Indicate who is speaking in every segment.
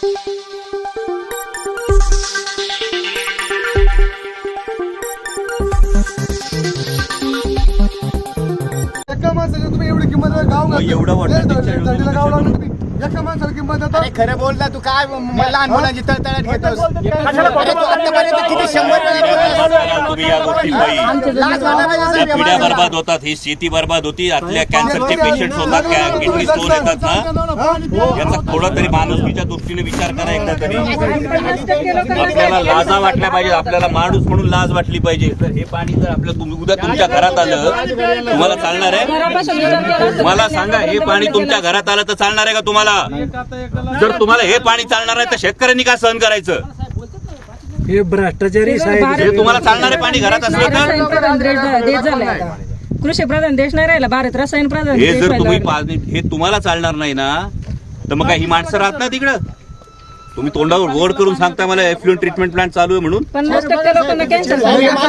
Speaker 1: तुम्ही एवढी किंमत गाव
Speaker 2: एवढं
Speaker 1: वाटतं एका माणसाला किंमत देतो.
Speaker 3: खरं बोलला तू काय लहान मुलांची तळतळाट घेतोस. अरे तू आतापर्यंत किती 100
Speaker 2: तुम्ही या गोष्टी पिढ्या बर्बाद होतात, ही शेती बर्बाद होती, आतल्या कॅन्सरचे पेशंट होतात, किडनी स्टोन येतात ना, याचा थोडा तरी माणुसकीच्या दृष्टीने विचार करा एकदा तरी. आपल्याला लाजा वाटल्या पाहिजे, आपल्याला माणूस म्हणून लाज वाटली पाहिजे. तर हे पाणी जर आपल्या उद्या तुमच्या घरात आलं तुम्हाला चालणार आहे? मला सांगा, हे पाणी तुमच्या घरात आलं तर चालणार आहे का तुम्हाला? जर तुम्हाला हे पाणी चालणार आहे तर शेतकऱ्यांनी का सहन करायचं?
Speaker 4: हे भ्रष्टाचारी
Speaker 2: हे तुम्हाला चालणारे पाणी घरात असलं तर
Speaker 5: कृषी प्रधान देश नाही राहिला, भारत रसायन प्रधान.
Speaker 2: हे जर तुम्ही हे तुम्हाला चालणार नाही ना, तर मग काही ही माणसं राहत ना तिकडं. तुम्ही तोंडावर गोड करून सांगता मला एफ्लुएंट ट्रीटमेंट प्लांट चालू आहे म्हणून.
Speaker 5: 50% लोकांना कॅन्सर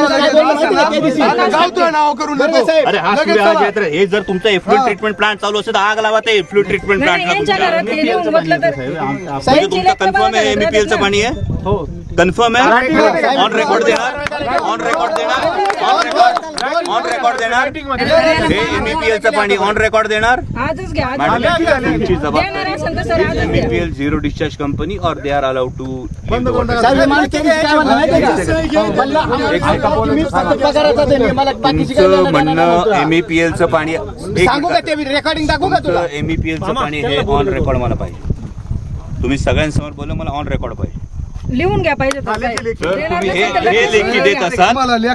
Speaker 2: अरे हा सूर्य, हे जर तुमचं एफ्लुएंट ट्रीटमेंट प्लांट चालू असेल तर आग लावा ते एफ्लुएंट ट्रीटमेंट प्लांटला. तुमचं कन्फर्म आहे एमईपीएल चं पाणी आहे? हो कन्फर्म आहे. ऑन रेकॉर्ड देणार, ऑन रेकॉर्ड देणार, ऑन रेकॉर्ड देणार. हे एमईपीएल चं पाणी ऑन रेकॉर्ड देणार.
Speaker 5: आजच घ्या.
Speaker 2: तुमची जबाबदारी. एमईपीएल झिरो डिस्चार्ज कंपनी और दे आर अलाउड टू. तुमचं म्हणणं एमईपीएल चं पाणी
Speaker 3: रेकॉर्डिंग दाखवू का तुला?
Speaker 2: एमईपीएल चं पाणी हे ऑन रेकॉर्ड मला पाहिजे. तुम्ही सगळ्यांसमोर बोललं मला ऑन रेकॉर्ड पाहिजे.
Speaker 5: लिहून घ्या पाहिजे.
Speaker 2: तुम्ही हे लेखी देत असाल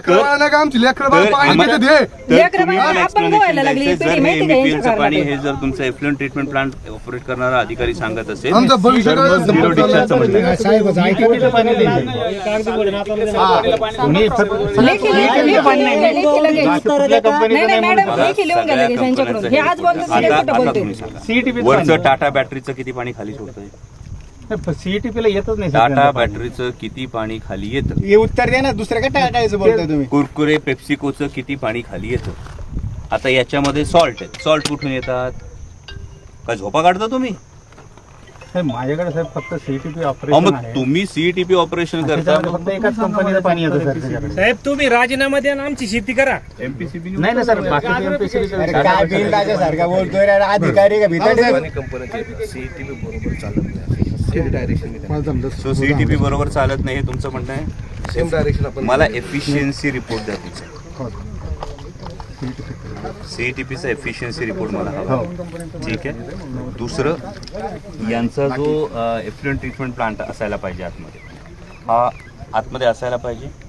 Speaker 2: पाणी हे जर तुमचं एफ्लुएंट ट्रीटमेंट प्लांट ऑपरेट करणारा अधिकारी सांगत असेल झिरो डिस्चार्जचं वरचं टाटा बॅटरीचं किती पाणी खाली सोडतंय?
Speaker 3: सीईटीपीला येतच नाही.
Speaker 2: टाटा बॅटरीचं किती पाणी खाली येतं?
Speaker 3: हे उत्तर द्या ना, दुसऱ्या काय टाकायचं बोलतोय तुम्ही?
Speaker 2: कुरकुरे पेप्सिकोचं किती पाणी खाली येतं? आता याच्यामध्ये सॉल्ट आहे. सॉल्ट कुठून येतात? काय झोपा काढता तुम्ही?
Speaker 3: माझ्याकडे साहेब फक्त सीईटीपी
Speaker 2: मग
Speaker 3: ऑपरेशन आहे.
Speaker 2: तुम्ही सीईटीपी ऑपरेशन करता,
Speaker 3: फक्त एकाच कंपनीचं पाणी येतं सर.
Speaker 4: साहेब तुम्ही राजीनामा द्या आणि आमची शेती करा.
Speaker 2: एमपीसीबी
Speaker 3: नाही ना सर, बाकी एमपीसीबी काय बिल सारखा बोलतोय अधिकारी का
Speaker 2: सीईटीपी बरोबर चालत नाही हे तुमचं म्हणणं आहे? Same direction. मला एफिशियन्सी रिपोर्ट द्या तुमचा. सीईटीपीचा एफिशियन्सी रिपोर्ट मला हवा. ठीक आहे. दुसरं, यांचा जो एफ्लुएंट ट्रीटमेंट प्लांट असायला पाहिजे आतमध्ये, हा आतमध्ये असायला पाहिजे.